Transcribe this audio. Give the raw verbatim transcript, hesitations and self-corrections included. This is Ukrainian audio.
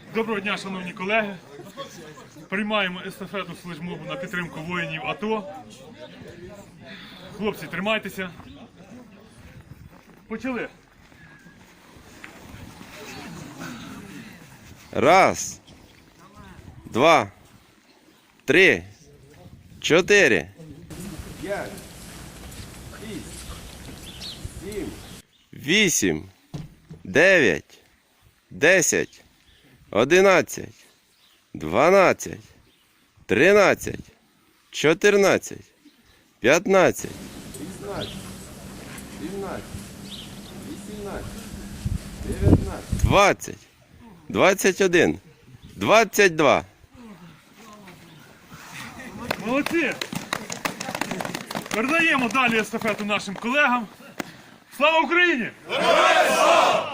Доброго дня, шановні колеги. Приймаємо естафету флешмобу на підтримку воїнів АТО. Хлопці, тримайтеся. Почали. Раз, два, три, чотири, п'ять, шість, сім, вісім, дев'ять, десять, одинадцять, дванадцять, тринадцять, чотирнадцять, п'ятнадцять, шістнадцять, сімнадцять, вісімнадцять, дев'ятнадцять, двадцять. двадцять один, двадцять два. Молодці! Передаємо далі естафету нашим колегам. Слава Україні! Героям слава!